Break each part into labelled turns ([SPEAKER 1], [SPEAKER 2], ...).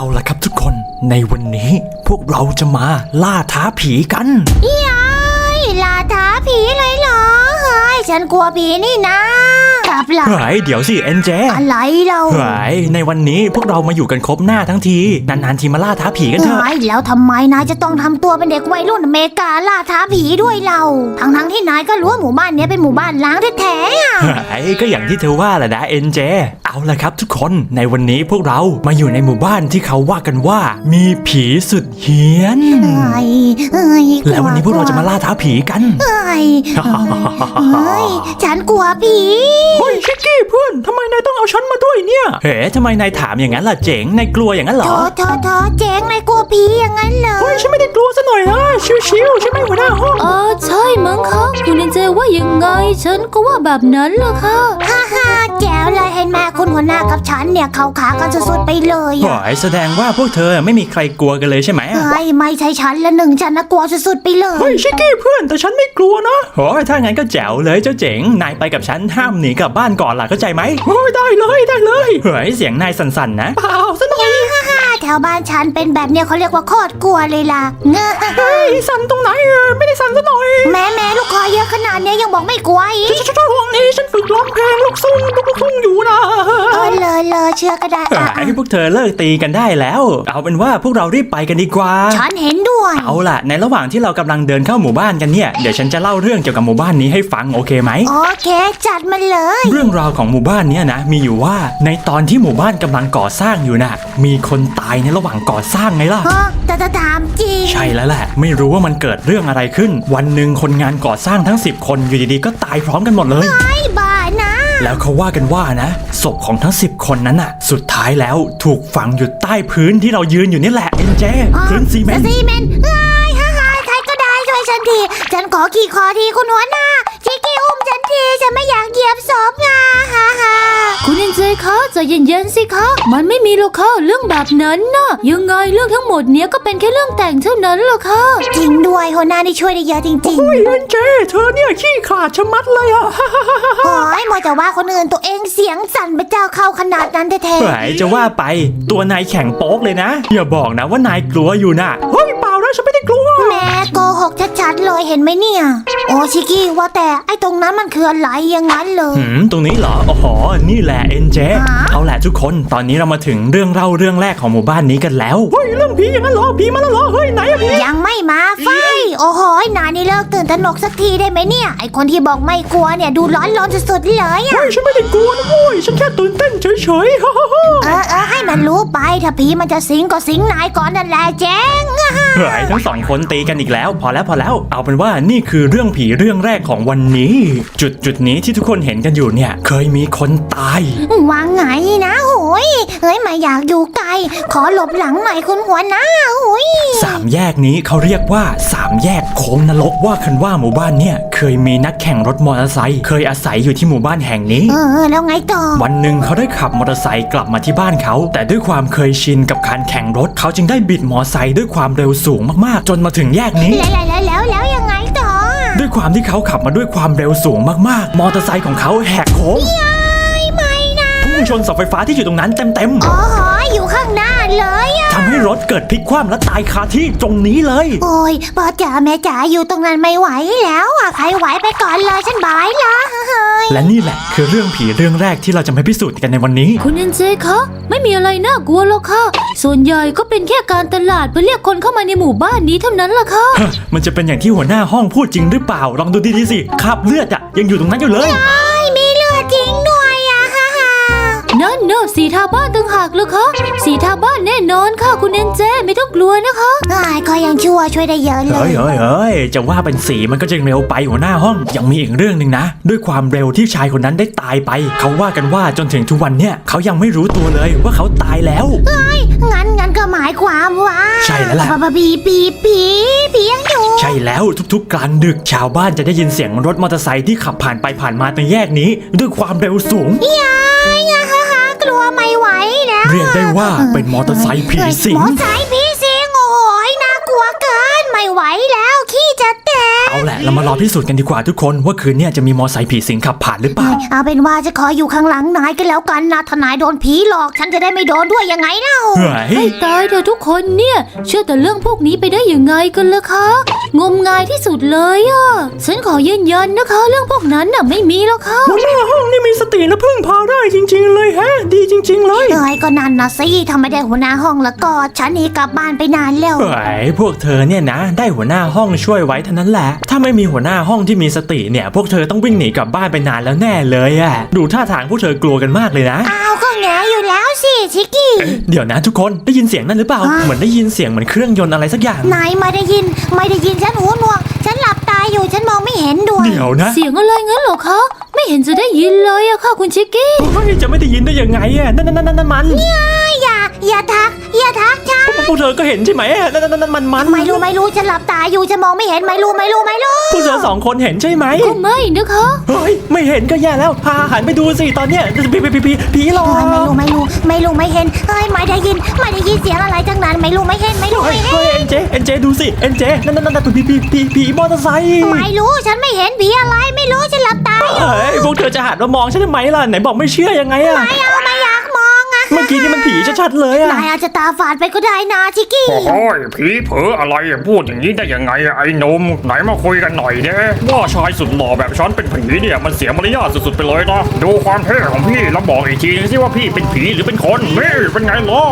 [SPEAKER 1] เอาล่ะครับทุกคนในวันนี้พวกเราจะมาล่าท้าผีกัน
[SPEAKER 2] ล่าท้าผีเลยเหรอเฮ้ยฉันกลัวผีนี่นะกลับละ
[SPEAKER 1] เดี๋ยวสิเอ็นเจ
[SPEAKER 2] อะไรเรา
[SPEAKER 1] ในวันนี้พวกเรามาอยู่กันครบหน้าทั้งทีนานๆทีมาล่าท้าผีกันเถอะ
[SPEAKER 2] แล้วทำไมนายจะต้องทำตัวเป็นเด็กวัยรุ่นอเมริกาล่าท้าผีด้วยเราทั้งที่นายก็รู้ว่าหมู่บ้านนี้เป็นหมู่บ้านล้างแท้
[SPEAKER 1] ๆก็อย่างที่เธอว่าแหละนะเอ็นเจเอาล่ะครับทุกคนในวันนี้พวกเรามาอยู่ในหมู่บ้านที่เขาว่ากันว่ามีผีสุดเฮี้ยนแล้ววันนี้พวกเราจะมาล่าท้าผีกัน
[SPEAKER 2] ฉันกลัวผี
[SPEAKER 1] เฮ้ยชิคกี้เพื่อนทำไมนายต้องเอาฉันมาด้วยเนี่ยทำไมนายถามอย่างนั้นล่ะเจ๋งนายกลัวอย่างนั้นเหรอ
[SPEAKER 2] เจ๋งนายกลัวผีอย่างนั้นเหรอ
[SPEAKER 1] เฮ้ยฉันไม่ได้กลัวซะหน่อยนะชิวๆใช่ไหมหัวหน้าห้อง
[SPEAKER 3] ใช่มั้งคะคุณเอ็นเจว่ายังไงฉันก็ว่าแบบนั้นล่ะค่ะ
[SPEAKER 2] ฮ่าแจ๋วเลยเห็นแม่คุณหัวหน้ากับฉันเนี่ยเข้าขากันสุดๆไปเลย
[SPEAKER 1] แสดงว่าพวกเธอไม่มีใครกลัวกันเลยใช่ไหม
[SPEAKER 2] ไม่ใช่ฉันละหนึ่งฉันนะกลัวสุดๆไปเลย
[SPEAKER 1] เฮ้ยชิคกี้เพื่อนแต่ฉันไม่กลัวนะถ้างั้นก็แจ๋วเลยเจ้าเจ๋งนายไปกับฉันห้ามหนีกลับบ้านก่อนล่ะเข้าใจไหมได้เลยเสียงนายสั่นๆนะ
[SPEAKER 2] เปล่าซะหน่อยแถวบ้านฉันเป็นแบบเนี้ยเขาเรียกว่าโคตรกลัวเลยล่ะ
[SPEAKER 1] สั่นตรงไหนไม่ได้สั่นซะหน่อย
[SPEAKER 2] แม่ลูกคอเยอะขนาดนี้ยังบอกไม่กลัวอีก
[SPEAKER 1] ช่วงนี้ฉันฝึกร้องเพลงลูกทุ่งอยู่นะ
[SPEAKER 2] เลยเชื่อก็ได้
[SPEAKER 1] พวกเธอเลิกตีกันได้แล้วเอาเป็นว่าพวกเรารีบไปกันดีกว่า
[SPEAKER 2] ฉันเห็นด้วย
[SPEAKER 1] เอาล่ะในระหว่างที่เรากำลังเดินเข้าหมู่บ้านกันเนี่ยเดี๋ยวฉันจะเล่าเรื่องเกี่ยวกับหมู่บ้านนี้ให้ฟังโอเคไหม
[SPEAKER 2] โอเคจัดมาเลย
[SPEAKER 1] เรื่องราวของหมู่บ้านนี้นะมีอยู่ว่าในตอนที่หมู่บ้านกำลังก่อสร้างอยู่น่ะมีคนตายในระหว่างก่อสร้างไงล่ะ
[SPEAKER 2] แต่ถามจริง
[SPEAKER 1] ใช่แล้วแหละไม่รู้ว่ามันเกิดเรื่องอะไรขึ้นวันหนึ่งคนงานก่อสร้างทั้ง10คนอยู่ดีๆก็ตายพร้อมกันหมดเลย
[SPEAKER 2] บ้านะ
[SPEAKER 1] แล้วเขาว่ากันว่านะศพของทั้ง10คนนั้นน่ะสุดท้ายแล้วถูกฝังอยู่ใต้พื้นที่เรายืนอยู่นี่แหละเอ็นเจพื้นซีเมนต์
[SPEAKER 2] ใครก็ได้ช่วยฉันทีฉันขอขี่คอทีคุณหัวหน้าชิคกี้อุ้มฉันทีฉันไม่อยากเหยียบศพไง
[SPEAKER 3] คุณเอ็นเจคะใจเย็นๆสิคะมันไม่มีหรอกค่ะเรื่องแบบนั้นนะยังไงเรื่องทั้งหมดเนี้ยก็เป็นแค่เรื่องแต่งเท่านั้นหรอกค่ะ
[SPEAKER 2] จริงด้วยหัวหน้านี่ช่วยได้เยอะจริง
[SPEAKER 1] ๆโอ้ยเอ็นเจเธอเนี่ยขี้ขลาดชะมัดเลยอ่ะ
[SPEAKER 2] โอ้ยมัวแต่ว่าคนอื่นตัวเองเสียงสั่นไปเจ้าเข้าขนาดนั้นแท้
[SPEAKER 1] ๆจะว่าไปตัวนายแข็งโป๊กเลยนะอย่าบอกนะว่านายกลัวอยู่น่ะเฮ้ยเปล่านะฉันไม่ได้กลัว
[SPEAKER 2] แม่โกหกชัดๆเลยเห็นไหมเนี่ยโอ้ชิคกี้ว่าแต่ไอ้ตรงนั้นมันคืออะไรอย่างนั้นเลย
[SPEAKER 1] ตรงนี้เหรอโอ้โหนี่แหละเอ็นเจเอาแหละทุกคนตอนนี้เรามาถึงเรื่องเล่าเรื่องแรกของหมู่บ้านนี้กันแล้วเฮ้ยเรื่องผีอย่างนั้นเหรอผีมาแล้วเหรอเฮ้ยไหนอะผี
[SPEAKER 2] ยังไม่มาไฟโอ้โหนายนี่เลิกตื่นตระหนกสักทีได้ไหมเนี่ยไอคนที่บอกไม่กลัวเนี่ยดูร้อนสุดๆเลย
[SPEAKER 1] เฮ้ยฉันไม่ได้กลัวนะโว้ยฉันแค่ตื่นเต้นเฉย
[SPEAKER 2] ๆให้มันรู้ไปถ้าผีมันจะสิงก็สิงนายก่อนนั่นแหละเจ๊ง
[SPEAKER 1] เฮ้ยทั้งสองคนตีกันอีกแล้วพอแล้วเอาเป็นว่านี่คือเรื่องผีเรื่องแรกของวันนี้จุดนี้ที่ทุกคนเห็นกันอยู่เนี่ยเคยมีคนตายว
[SPEAKER 2] างไงนะโหยเฮ้ยไม่อยากอยู่ไกลขอหลบหลังหน่อยคุณหัวหน้าโหย
[SPEAKER 1] 3 แยกนี้เขาเรียกว่า3 แยกโค้งนรกว่ากันว่าหมู่บ้านเนี่ยเคยมีนักแข่งรถมอเตอร์ไซค์เคยอาศัยอยู่ที่หมู่บ้านแห่งนี้
[SPEAKER 2] แล้วไงต่อ
[SPEAKER 1] วันหนึ่งเขาได้ขับมอเตอร์ไซค์กลับมาที่บ้านเขาแต่ด้วยความเคยชินกับการแข่งรถเขาจึงได้บิดมอเตอร์ไซค์ด้วยความเร็วสูงมากๆจนมาถึงแยกนี้
[SPEAKER 2] แล้วยังไงต่อ
[SPEAKER 1] ด้วยความที่เขาขับมาด้วยความเร็วสูงมากๆมอเตอร์ไซค์ของเขาแหกโค้ง
[SPEAKER 2] ไม่นะ
[SPEAKER 1] พุ่งชนเสาไฟฟ้าที่อยู่ตรงนั้นเต็ม
[SPEAKER 2] อยู่ข้างหน้าเลย
[SPEAKER 1] ทำให้รถเกิดพลิกคว่ำและตายคาที่ตรงนี้เลย
[SPEAKER 2] โอ้ยพ่อจ๋าแม่จ๋าอยู่ตรงนั้นไม่ไหวแล้วใครไหวไปก่อนเลยฉันบายละ
[SPEAKER 1] และนี่แหละคือเรื่องผีเรื่องแรกที่เราจะมาพิสูจน์กันในวันนี้
[SPEAKER 3] คุณเอ็นเจคะไม่มีอะไรน่ากลัวหรอกค่ะส่วนใหญ่ก็เป็นแค่การตลาดเพื่อเรียกคนเข้ามาในหมู่บ้านนี้เท่านั้นล่ะค่ะ
[SPEAKER 1] มันจะเป็นอย่างที่หัวหน้าห้องพูดจริงหรือเปล่าลองดูดีๆสิคราบเลือดอะยังอยู่ตรงนั้นอยู่เลย
[SPEAKER 2] มีเลือดจริงด้วย
[SPEAKER 3] นั่นเนอะสีทาบ้านต่างหากเลยค่ะสีทาบ้านแน่นอนค่ะคุณเอ็นเจไม่ต้องกลัวนะคะ
[SPEAKER 2] ก็ยังช่วยได้เยอะเลย
[SPEAKER 1] เฮ้ยจะว่าเป็นสีมันก็จะเร็วไปหัวหน้าห้องยังมีอีกเรื่องนึงนะด้วยความเร็วที่ชายคนนั้นได้ตายไปเขาว่ากันว่าจนถึงทุกวันเนี่ยเขายังไม่รู้ตัวเลยว่าเขาตายแล้ว
[SPEAKER 2] งั้นก็หมายความว่า
[SPEAKER 1] ใช่แล้วล่ะ
[SPEAKER 2] ผียังอยู่
[SPEAKER 1] ใช่แล้วทุกๆกลางดึกชาวบ้านจะได้ยินเสียงรถมอเตอร์ไซค์ที่ขับผ่านไปผ่านมาในแยกนี้ด้วยความเร็วสูง
[SPEAKER 2] กลัวไม่ไหวแล้ว
[SPEAKER 1] เรียกได้ว่าเป็นมอเตอร์ไซค์ผีสิง
[SPEAKER 2] มอเตอร์ไซค์ผีสิงโอ้ยน่ากลัวเกินไม่ไหวแล้วขี้จะแตก
[SPEAKER 1] เอาแหละเรามารอพิสูจน์กันดีกว่าทุกคนว่าคืนนี้จะมีมอไซค์ผีสิงขับผ่านหรือเปล่า
[SPEAKER 2] เอาเป็นว่าจะขออยู่ข้างหลังนายกันแล้วกันนะถ้านายโดนผีหลอกฉันจะได้ไม่โดนด้วยยังไงเล่า
[SPEAKER 1] เฮ้ย
[SPEAKER 3] ให้ตายเถอะทุกคนเนี่ยเชื่อแต่เรื่องพวกนี้ไปได้ยังไงกันล่ะคะงมงายที่สุดเลยอ่ะฉันขอยืนยันนะคะ เรื่องพวกนั้นน่ะไม่มีแล้วค่ะ
[SPEAKER 1] หัวหน้าห้องนี่มีสติและพึ่งพาได้จริงๆเลยฮะดีจริงๆเลย
[SPEAKER 2] เอ้ยก็นั่นนะสิทำไมได้หัวหน้าห้องแล้วก็ฉันหนีกลับบ้านไปนานแล้ว
[SPEAKER 1] เฮ้ยพวกเธอเนี่ยนะได้หัวหน้าห้องช่วยไว้เท่านั้นแหละถ้าไม่มีหัวหน้าห้องที่มีสติเนี่ยพวกเธอต้องวิ่งหนีกลับบ้านไปนานแล้วแน่เลยอะดูท่าทางพวกเธอกลัวกันมากเลยนะ
[SPEAKER 2] อ้าวก็แงอยู่แล้วสิชิกกี้
[SPEAKER 1] เดี๋ยวนะทุกคนได้ยินเสียงนั่นหรือเปล่า
[SPEAKER 2] ฮะ
[SPEAKER 1] เหมือนได้ยินเสียงเหมือนเครื่องยนต์อะไรสักอย่าง
[SPEAKER 2] นายไม่ได้ยินฉันหูหนวกฉันหลับตาอยู่ฉันมองไม่เห็นด้วย
[SPEAKER 1] เดี๋ยวนะ
[SPEAKER 3] เสียงอะไรงั้นเหรอคะไม่เห็นจะได้ยินเลยอะค่ะคุณชิกกี้
[SPEAKER 1] เฮ้ยจะไม่ได้ยินได้ยังไงอะนั่นมัน
[SPEAKER 2] อย่าทักฉัน
[SPEAKER 1] พวกเธอก็เห็นใช่ไหมอะนั่นมัน
[SPEAKER 2] ไม่รู้ฉันหลับตาอยู่ฉันมองไม่เห็นไม่รู้
[SPEAKER 1] พวกเธอสองคนเห็นใช่ไหม
[SPEAKER 3] ก็ไม่นะคะ
[SPEAKER 1] เฮ้ยไม่เห็นก็แย่แล้วพาหันไปดูสิตอนเนี้ยผีหลอก
[SPEAKER 2] ไม่เห็นเฮ้ยไม่ได้ยินเสียงอะไรทั้งนั้นไม่รู้ไม่เห็น
[SPEAKER 1] เฮ้ยเอ็นเจดูสิเอ็นเจนั่นผีมอเตอร์ไซค์
[SPEAKER 2] ไม่รู้ฉันไม่เห็นผีอะไรไม่รู้ฉันหลับตาอยู่
[SPEAKER 1] เฮ้ยพวกเธอจะหันมามองฉันทำไมล่ะไหนบอกไม่เชื่อยังไงอะ
[SPEAKER 2] ไม่อยากมองอะ
[SPEAKER 1] เมื่อกี้นี่มันผีชัดๆเลยอะ
[SPEAKER 2] นายอาจจะตาฝาดไปก็ได้นะชิกกี้
[SPEAKER 4] โอ้ยผีเผลออะไรอะพูดอย่างนี้ได้ยังไงอะไอ้หนุ่มไหนมาคุยกันหน่อยเด้ว่าชายสุดหล่อแบบฉันเป็นผีเนี่ยมันเสียมารยาทสุดๆไปเลยนะดูความเท่ของพี่แล้วบอกอีกทีนึงสิว่าพี่เป็นผีหรือเป็นคนนี่เป็นไงล่ะ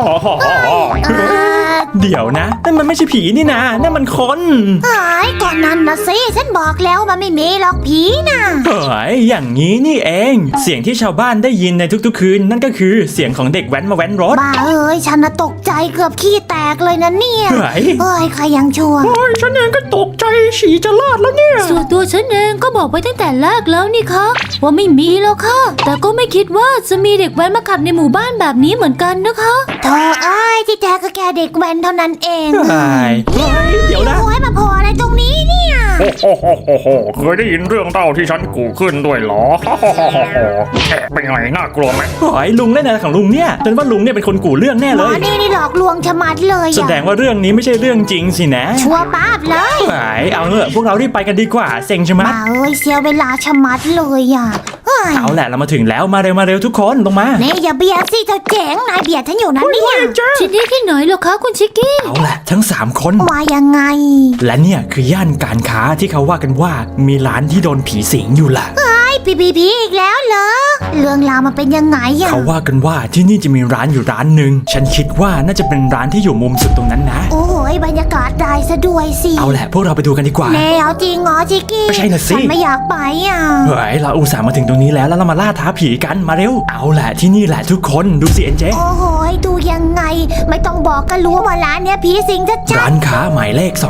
[SPEAKER 1] เดี๋ยวนะนั่นมันไม่ใช่ผีนี่นะนั่นมันคน
[SPEAKER 2] เอ้ยก่อนนั้นนะสิฉันบอกแล้วมันไม่มีหรอกผีนะ
[SPEAKER 1] เฮ้ยอย่างนี้นี่เองเสียงที่ชาวบ้านได้ยินในทุกๆคืนนั่นก็คือเสียงของเด็กแว้นมาแว้นรถ
[SPEAKER 2] บ้าเอ้ยฉันน่ะตกใจเกือบขี้แตกเลยนะเนี่ย
[SPEAKER 1] เฮ้ย
[SPEAKER 2] เอ้ยใครยังชั่ว
[SPEAKER 4] โอ้ยฉันเองก็ตกใจฉี่จะลาดแล้วเนี่ย
[SPEAKER 3] ส่วนตัวฉันเองก็บอกไปตั้งแต่แรกแล้วนี่คะว่าไม่มีแล้วค่ะ แต่ก็ไม่คิดว่าจะมีเด็กแว้นมาขับในหมู่บ้านแบบนี้เหมือนกันนะคะ
[SPEAKER 2] โธ่เอ้ยที่แท้ก็แค่เด็กแว้นเท่านั้นเอง
[SPEAKER 1] เฮ้ยเดี๋ยวนะ
[SPEAKER 2] โอ้ยมาพออะไรตรงนี้เนี่ย
[SPEAKER 4] โอ้โหเคยได้ยินเรื่องเล่าที่ฉันกูขึ้นด้วยเหรอแอะเป็นไงน่ากลัวไหม
[SPEAKER 1] เฮ้ยลุงเล่นอะไรของลุงเนี่ยจนว่าลุงเนี่ยเป็นคนกู่เรื่องแน่
[SPEAKER 2] หม
[SPEAKER 1] เล
[SPEAKER 2] อย นี่หลอกลวงชะมัดเลย
[SPEAKER 1] แสดงว่าเรื่องนี้ไม่ใช่เรื่องจริงสินะ
[SPEAKER 2] ชัวร์ป้าบเลย
[SPEAKER 1] เฮ้ยเอาเถอะพวกเรารีบไปกันดีกว่าเซ็งใช่ไหม
[SPEAKER 2] บ้าเอ้ยเสียเวลาชะมัดเลยอ่ะเฮ้ย
[SPEAKER 1] เอาแหละเรามาถึงแล้วมาเร็วทุกคนลงมา
[SPEAKER 2] นี่อย่าเบียดสิเจ้าเจ๋งนายเบียดฉันอยู่นั้นเนี่ย
[SPEAKER 3] ที่นี่ที่ไหนเหรอคะคุณชิกกี้
[SPEAKER 1] เอาแหละทั้ง3 คน
[SPEAKER 2] มายังไง
[SPEAKER 1] และเนี่ยคือย่านการค้าที่เขาว่ากันว่ามีร้านที่โดนผีสิงอยู่ล่ะ
[SPEAKER 2] ไอ้ผีอีกแล้วเหรอเรื่องราวมันเป็นยังไงอ่ะ
[SPEAKER 1] เขาว่ากันว่าที่นี่จะมีร้านอยู่ร้านหนึ่งฉันคิดว่าน่าจะเป็นร้านที่อยู่มุมสุดตรงนั้นนะ
[SPEAKER 2] โอ้ยบรรยากาศได้ซะด้วยสิ
[SPEAKER 1] เอาแหละพวกเราไปดูกันดีกว่า
[SPEAKER 2] แน่เอาจริงเหรอชิกกี้
[SPEAKER 1] ไม่ใช่น่ะสิ
[SPEAKER 2] ฉันไม่อยากไปอ่ะ
[SPEAKER 1] เฮ้ยเราอุตส่าห์มาถึงตรงนี้แล้วเรามาล่าท้าผีกันมาเร็วเอาแหละที่นี่แหละทุกคนดูสิเอ็นเจ
[SPEAKER 2] โอ้โหดูยังไง ไม่ต้องบอกก็รู้ว่าร้านเนี้ยผีสิงจะจั
[SPEAKER 1] ร้า
[SPEAKER 2] ด
[SPEAKER 1] นค้าหมายเลข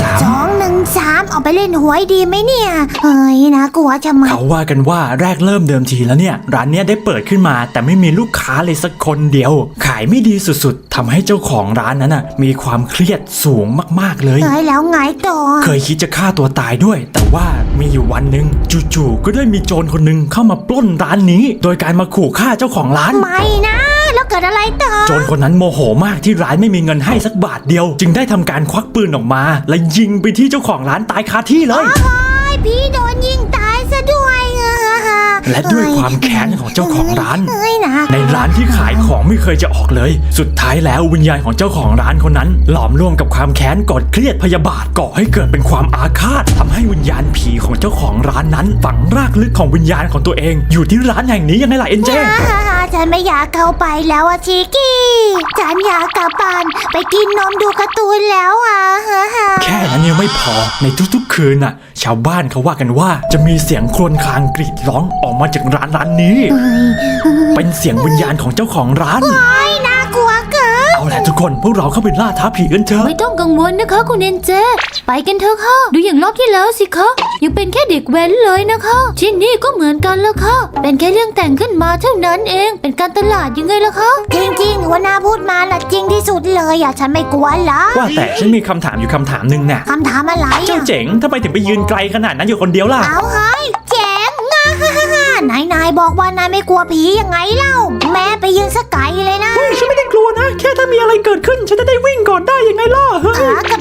[SPEAKER 2] 213เอาไปเล่นหวยดีไหมเนี่ยเฮ้ยนะกลัวจะมา
[SPEAKER 1] 213เขาว่ากันว่าแรกเริ่มเดิมทีแล้วเนี่ยร้านเนี้ยได้เปิดขึ้นมาแต่ไม่มีลูกค้าเลยสักคนเดียว ขายไม่ดีสุดๆทำให้เจ้าของร้านนั้นน่ะมีความเครียดสูงมากๆเลย
[SPEAKER 2] เฮ้ยแล้วไงต่อ
[SPEAKER 1] เคยคิดจะฆ่าตัวตายด้วย แต่ว่ามีอยู่วันหนึ่งจู่ๆก็ได้มีโจรคนหนึ่งเข้ามาปล้นร้านนี้ โดยการมาขู่ฆ่าเจ้าของร้าน
[SPEAKER 2] ไม่นะแล้วเกิดอะไรต่อ
[SPEAKER 1] โจรคนนั้นโมโหมากที่ร้านไม่มีเงินให้สักบาทเดียว จึงได้ทำการควักปืนออกมา และยิงไปที่เจ้าของร้านตายคาที่เลย
[SPEAKER 2] โอ้ยพี่โดนยิงตายซะด้วย
[SPEAKER 1] และด้วยความแค้นของเจ้าของร้าน
[SPEAKER 2] เฮ้ยนะ
[SPEAKER 1] ในร้านที่ขายของไม่เคยจะออกเลย สุดท้ายแล้ววิญญาณของเจ้าของร้านคนนั้น หลอมรวมกับความแค้นกดเครียดพยาบาทก่อให้เกิดเป็นความอาฆาตทำให้วิญญาณผีของเจ้าของร้านนั้น ฝังรากลึกของวิญญาณของตัวเอง อยู่ที่ร้านแห่งนี้ยังไงล่ะเอ็นเจ
[SPEAKER 2] ฉันไม่อยากเข้าไปแล้วอะชิกกี้ฉันอยากกลับบ้านไปกินนมดูการ์ตูนแล้วอะ
[SPEAKER 1] แค่นั้นยังไม่พอในทุกๆคืนน่ะ ชาวบ้านเขาว่ากันว่าจะมีเสียงครวญครางกรีดร้องออกมาจากร้านนี้ เป็นเสียงวิญญาณของเจ้าของร้าน
[SPEAKER 2] น่ากลัวเกิน
[SPEAKER 1] เอาแหละทุกคนพวกเราเข้าไปล่าท้าผีกันเถอะ
[SPEAKER 3] ไม่ต้องกังวลนะคะคุณเอ็นเจ ไปกันเถอะค่ะ ดูอย่างรอบที่แล้วสิคะยังเป็นแค่เด็กแว้นเลยนะคะ ที่นี่ก็เหมือนกันแล้วค่ะ เป็นแค่เรื่องแต่งขึ้นมาเท่านั้นเอง เป็นการตลาดยังไงล่ะคะ
[SPEAKER 2] จริงๆหัวหน้าพูดมาละจริงที่สุดเลยอะฉันไม่กลัวละ
[SPEAKER 1] ว่าแต่ฉันมีคำถามอยู่คำถามหนึ่งน่ะ
[SPEAKER 2] คำถามอะไร
[SPEAKER 1] เจ้า
[SPEAKER 2] อะ
[SPEAKER 1] เจ๋งทำไมถึงไปยืนไกลขนาดนั้นอยู่คนเดียวล่ะ
[SPEAKER 2] เอาเฮ้ยเจ๋งนายบอกว่านายไม่กลัวผียังไงเล่า แม้ไปยืนสกไกลเลยนะ
[SPEAKER 1] ฉันไม่ได้กลัวนะ แค่ถ้ามีอะไรเกิดขึ้น ฉันจะได้วิ่งก่อนได้ยังไงล่ะ
[SPEAKER 2] ก็แบบนั้น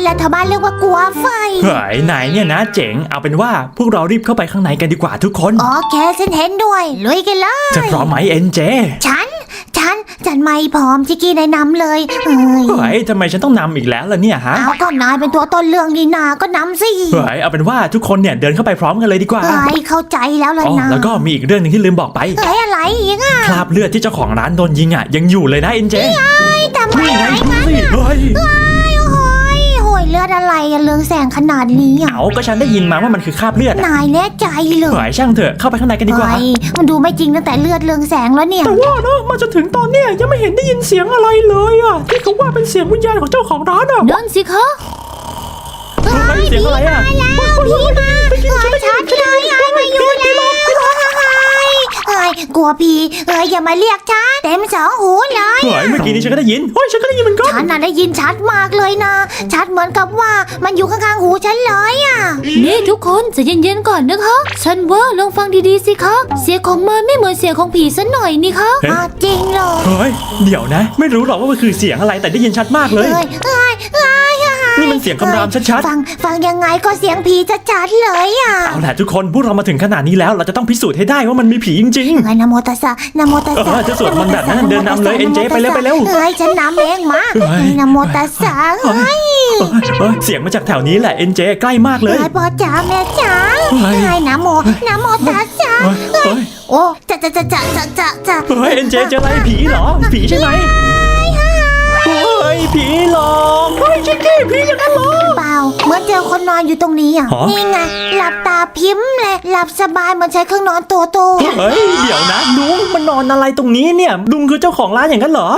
[SPEAKER 2] แหละชาวบ้านเรียกว่ากลัวไฟ
[SPEAKER 1] เฮ้ยนายเนี่ยนะเจ๋งเอาเป็นว่าพวกเรารีบเข้าไปข้างในกันดีกว่าทุกคน
[SPEAKER 2] โอเคฉันเห็นด้วยลุยกันเลย
[SPEAKER 1] จะพร้อมไหมเอ็นเจ
[SPEAKER 2] ฉันไม่พร้อมชิกกี้นายนำเลยเอ้ย
[SPEAKER 1] เฮ้ยทำไมฉันต้องนำอีกแล้วล่ะเนี่ยฮะ
[SPEAKER 2] เอาก็นายเป็นตัวต้นเรื่องนี่นาก็นำสิ
[SPEAKER 1] เฮ้ยเอาเป็นว่าทุกคนเนี่ยเดินเข้าไปพร้อมกันเลยดีกว่า
[SPEAKER 2] เอ้ยเข้าใจแล้วเลย
[SPEAKER 1] อ๋อ
[SPEAKER 2] นะ
[SPEAKER 1] แล้วก็มีอีกเรื่องหนึงที่ลืมบอกไป
[SPEAKER 2] เอ้ยอะไรอีกอ่ะ
[SPEAKER 1] คราบเลือดที่เจ้าของร้านโดนยิงอ่ะยังอยู่เลยนะเอ็นเจ
[SPEAKER 2] ทำไม
[SPEAKER 1] นี่ไง
[SPEAKER 2] ไง
[SPEAKER 1] ดูสิเฮ้ย
[SPEAKER 2] โอ้ยเลือดอะไรอะเรืองแสงขนาดนี้อ่ะ
[SPEAKER 1] เอาก็ฉันได้ยินมาว่ามันคือคราบเลือดอะ
[SPEAKER 2] นายแน่ใจเลย
[SPEAKER 1] เฮ้ยช่างเถอะเข้าไปข้างในกันดีกว่า
[SPEAKER 2] เอ้ยมันดูไม่จริงตั้งแต่เลือดเรืองแสงแล้วเนี่ย
[SPEAKER 1] แต่ว่านะมาจนถึงตอนเนี้ยยังไม่เห็นได้ยินเสียงอะไรเลยอ่ะที่เขาว่าเป็นเสียงวิญญาณของเจ้าของร้านอ่ะ
[SPEAKER 3] นั่นสิคะ
[SPEAKER 1] เฮ้ยเสียงอะไรอ่ะ
[SPEAKER 2] พี่มาชัดเลยไอ้มาอยู่แล้วเอ้ยกลัวผีอย่ามาเรียกฉันเต็มสองหูเลย
[SPEAKER 1] เฮ้ยเมื่อกี้นี้ฉันก็ได้ยินเฮ้ยฉันก็ได้ยินเหมือนกัน
[SPEAKER 2] ฉันน่ะได้ยินชัดมากเลยนะ ชัดเหมือนกับว่ามันอยู่ข้างๆหูฉันเลยอ่ะ
[SPEAKER 3] นี่ทุกคนใจะเย็นๆก่อนนะคะ ฉันว่าลองฟังดีๆสิคะ เสียงของมันไม่เหมือนเสียงของผีซะหน่อยนี่คะ
[SPEAKER 2] อ้าวจริงเหรอ
[SPEAKER 1] เฮ้ยเดี๋ยวนะ ไม่รู้หรอกว่ามันคือเสียงอะไรแต่ได้ยินชัดมากเลย นี่มันเสียงคำรามชัด
[SPEAKER 2] ฟังยังไงก็เสียงผีชัดๆเลยอ่ะ
[SPEAKER 1] ๆเอาล่ะทุกคนพวกเรามาถึงขนาดนี้แล้วเราจะต้องพิสูจน์ให้ได้ว่ามันมีผีจริง
[SPEAKER 2] เอ้ยนะโมตัสสะนะโมตัสสะ
[SPEAKER 1] จะสวดมนต์แบบนั้นเดินนำเลย NJ ไปเร็วไปเร็ว
[SPEAKER 2] เอ้ยฉันนำเองมา
[SPEAKER 1] เฮ้ย
[SPEAKER 2] นะโมตัสสะเฮ้ย
[SPEAKER 1] ๆเสียงมาจากแถวนี้แหละเอ็นเจใกล้มากเลย
[SPEAKER 2] เอ้ยพ่อจ๋าแม่จ๋า
[SPEAKER 1] เฮ้ย
[SPEAKER 2] เอ้ยนะโมตัสสะ
[SPEAKER 1] เฮ้ย
[SPEAKER 2] โอ้จะ
[SPEAKER 1] เฮ้ยเอ็นเจเจออะไรผีเหรอผีใช่ไหมเฮ้ยผีหลอกเฮ้ยชิคกี้ผีอย่างนั้นเหรอ
[SPEAKER 2] เปล่าเหมือนเจอคนนอนอยู่ตรงนี้อ่ะ
[SPEAKER 1] ฮะ
[SPEAKER 2] นี่ไงหลับตาพิมพ์เลยหลับสบายเหมือนใช้เครื่องนอนตัวโต
[SPEAKER 1] เฮ้ยเดี๋ยวนะลุงมันนอนอะไรตรงนี้เนี่ยลุงคือเจ้าของร้านอย่างนั้นเหรอ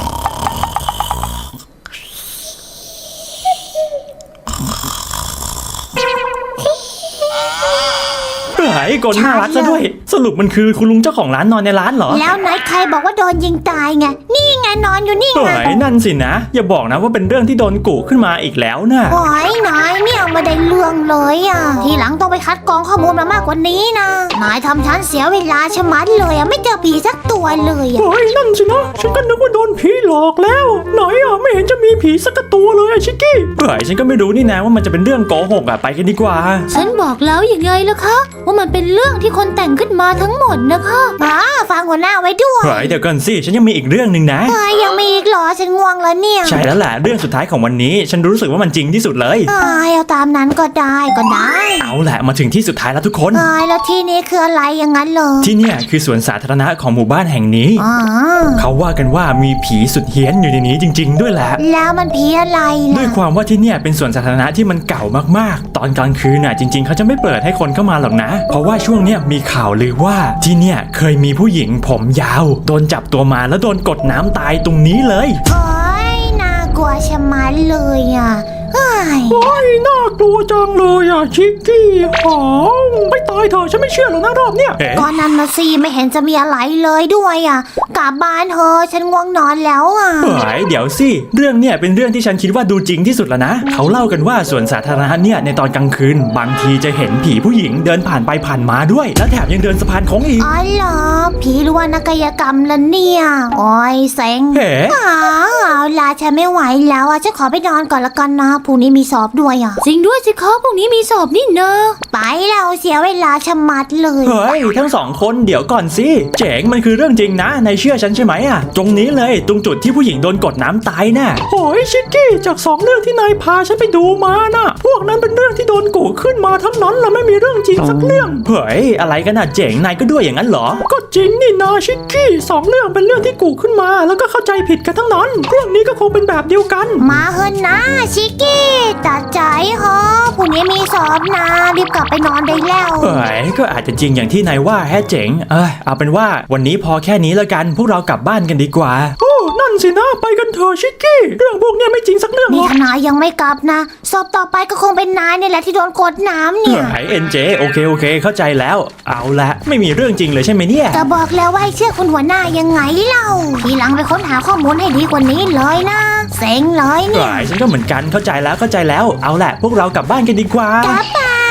[SPEAKER 1] เฮ้ยกลน่ารักซะด้วย สรุปมันคือคุณลุงเจ้าของร้านนอนในร้านเหรอ
[SPEAKER 2] แล้วไหนใครบอกว่าโดนยิงตายไงนี่ไงนอนอยู่นี่ไง
[SPEAKER 1] เฮ้ยนั่นสินะ อย่าบอกนะว่าเป็นเรื่องที่โดนกุขึ้นมาอีกแล้วนะ
[SPEAKER 2] โอ้ยนายเนี่ยไม่ได้เรื่องเลยอ่ะ ทีหลังต้องไปคัดกรองข้อมูลมามากกว่านี้นะ นายทำฉันเสียเวลาชะมัดเลยอ่ะไม่เจอผีสักตัวเลยอ่ะ
[SPEAKER 1] เฮ้ยนั่นสินะฉันก็นึกว่าโดนผีหลอกแล้วไหนอ่ะไม่เห็นจะมีผีสักตัวเลยอะชิคกี้เฮ้ยฉันก็ไม่รู้นี่นะว่ามันจะเป็นเรื่องโกหกอะไปกันดีกว่า
[SPEAKER 3] ฉันบอกแล้วยังไงล่ะคะ ว่ามันเป็นเรื่องที่คนแต่งขึ้นมาทั้งหมดนะคะ
[SPEAKER 2] ฟังหัวหน้าไว้ด้วย
[SPEAKER 1] เฮ้ยเดี๋ยวก่อนสิฉันยังมีอีกเรื่องหนึ่งนะ
[SPEAKER 2] ยังมีอีกเหรอฉันง่วงแล้วเนี่ย
[SPEAKER 1] ใช่แล้วแหละเรื่องสุดท้ายของวันนี้ ฉันรู้สึกว่ามันจริงที่สุดเลย
[SPEAKER 2] เอาตามนั้นก็ได้ก็ได้
[SPEAKER 1] เอาแหละมาถึงที่สุดท้ายแล้วทุกคน
[SPEAKER 2] แล้วที่นี้คืออะไรอย่างนั้นเหรอ
[SPEAKER 1] ที่เนี่ยคือสวนสาธารณะของหมู่บ้านแห่งนี้
[SPEAKER 2] อ๋อ
[SPEAKER 1] เขาว่ากันว่ามีผีสุดเฮี้ยนอยู่ในนี้จริง ๆ ด้วยแหละ
[SPEAKER 2] แล้วมันผีอะไร
[SPEAKER 1] ด้ว
[SPEAKER 2] ล่ะ
[SPEAKER 1] ยความว่าที่เนี่ยเป็นสวนสาธารณะที่มันเก่ามากๆ ตอนกลางคืนน่ะจริง ๆเขาจะไม่เปิดให้คนเข้ามาหรอกนะ เพราะว่าช่วงเนี้ยมีข่าวลือว่าที่เนี่ยเคยมีผู้หญิงผมยาวโดนจับตัวมาแล้วโดนกดน้ำตายตรงนี้เลย
[SPEAKER 2] โอ้ยน่ากลัวชะมัดเลยอ่ะเฮ้ย
[SPEAKER 1] โอ้ยน่ากลัวจังเลยอ่ะชิคกี้หอมไม่ตายเถอะฉันไม่เชื่อหรอกนะรอบเนี้ย
[SPEAKER 2] ก็นั่นนะสิไม่เห็นจะมีอะไรเลยด้วยอ่ะกลับบ้านเถอะฉันง่วงนอนแล้วอ่ะ
[SPEAKER 1] เฮ้ยเดี๋ยวสิเรื่องเนี่ยเป็นเรื่องที่ฉันคิดว่าดูจริงที่สุดแล้วนะเขาเล่ากันว่าสวนสาธารณะเนี่ยในตอนกลางคืนบางทีจะเห็นผีผู้หญิงเดินผ่านไปผ่านมาด้วย แล้วแถมยังเดินสะพานโค้งอีก
[SPEAKER 2] อ๋อเหรอผีหรือว่านักกายกรรมละเนี่ยโอ้ยเซ็ง
[SPEAKER 1] เฮ้
[SPEAKER 2] เอาล่ะฉันไม่ไหวแล้วอ่ะฉันขอไปนอนก่อนละกันนะพรุ่งนี้มีสอบด้วยอ่ะ
[SPEAKER 3] จริงด้วยสิคะพรุ่งนี้มีสอบนี่นะ
[SPEAKER 2] ไปเราเสียเวลาชะมัดเลย
[SPEAKER 1] เฮ้ยทั้งสองคนเดี๋ยวก่อนสิเจ๋งมันคือเรื่องจริงนะนายเชื่อฉันใช่ไหมอ่ะตรงนี้เลยตรงจุดที่ผู้หญิงโดนกดน้ำตายน่ะโอ้ยชิคกี้จาก2เรื่องที่นายพาฉันไปดูมาน่ะพวกนั้นเป็นเรื่องที่โดนกุขึ้นมาทั้งนั้นละไม่มีเรื่องจริงสักเรื่องเฮ้ยอะไรกันน่ะเจ๋งนายก็ด้วยอย่างนั้นเหรอก็จริงนี่นาชิคกี้2เรื่องเป็นเรื่องที่กุขึ้นมาแล้วก็เข้าใจผิดกันทั้งนั้นเรื่องนี้ก็คงเป็นแบบเดียวกัน
[SPEAKER 2] มาเฮินนะชิกกี้ตัดใจฮะพรุ่งนี้มีสอบนะรีบกลับไปนอนได้แล้ว
[SPEAKER 1] เฮ้ยก็อาจจะจริงอย่างที่นายว่าแฮะเจ๋งเอาเป็นว่าวันนี้พอแค่นี้แล้วกันพวกเรากลับบ้านกันดีกว่าโอ้นั่นสินะไปกันเถอะชิคกี้เรื่องพวกเนี้ยไม่จริงสักเรื่องหร
[SPEAKER 2] นี่
[SPEAKER 1] อก
[SPEAKER 2] ถ้านายยังไม่กลับนะสอบต่อไปก็คงเป็นนายนี่แหละที่โดนกดน้ำเนี่ย
[SPEAKER 1] เฮ้ยเอ็นเจโอเคเข้าใจแล้วเอาละไม่มีเรื่องจริงเลยใช่ไหมเนี่ย
[SPEAKER 2] ก็บอกแล้วว่าให้เชื่อคุณหัวหน้ายังไงเล่าทีหลังไปค้นหาข้อมูลให้ดีกว่านี้เลยนะเซ็งเลยเนี่ย
[SPEAKER 1] เฮ้ยฉันก็เหมือนกันเข้าใจแล้วเอาละพวกเรากลับบ้านกันดีกว่า
[SPEAKER 2] กลับบ้าน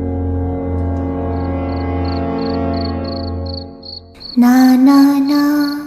[SPEAKER 2] นานานา